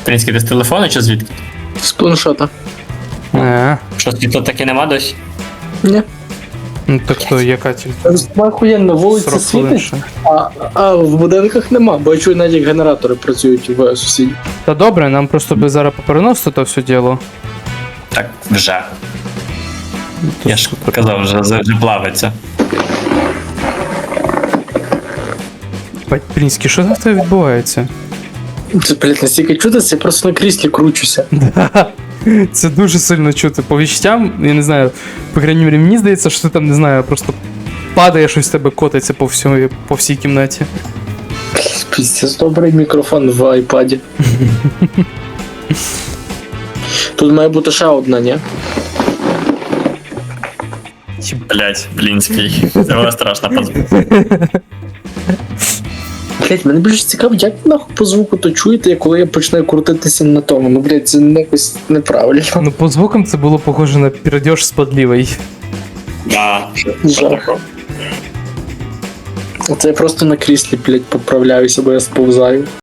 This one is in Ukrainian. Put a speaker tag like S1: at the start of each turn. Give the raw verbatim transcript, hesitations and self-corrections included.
S1: Принципі, ти з телефону чи звідки?
S2: З планшета.
S3: Не.
S1: Що, світла таки нема досі?
S2: Ні.
S3: Ну так то яка тільки
S2: Охуєнно, вулиця
S3: сорок хвилин
S2: світить,
S3: ще.
S2: а, а в будинках нема, бо я чую, навіть як генератори працюють в сусідів.
S3: Та добре, нам просто би зараз попереносити то все діло.
S1: Так, вже. Я ж показав, вже, вже плавиться.
S3: Бать, Принський, що за тебе відбувається?
S2: Це, блядь, настільки чудо, це я просто на кріслі кручуся.
S3: Да. Це дуже сильно чути. По відчуттям, я не знаю, по крайній мірі, мені здається, що ти там, не знаю, просто падає, щось в тебе котиться по, всьому, по всій кімнаті.
S2: Піздець, добрий мікрофон в айпаді. Тут має бути ще одна, ні?
S1: Блять, Блінський. Це було страшно позвати.
S2: Блять, мене більше цікаво, як нахуй по звуку то чуєте, коли я починаю крутитися на тому. Ну, блять, це якось неправильно.
S3: Ну, по звукам це було похоже на пердеж з подлівою.
S1: Да.
S2: Жах. Це я просто на кріслі, блять, поправляюся, бо я сповзаю.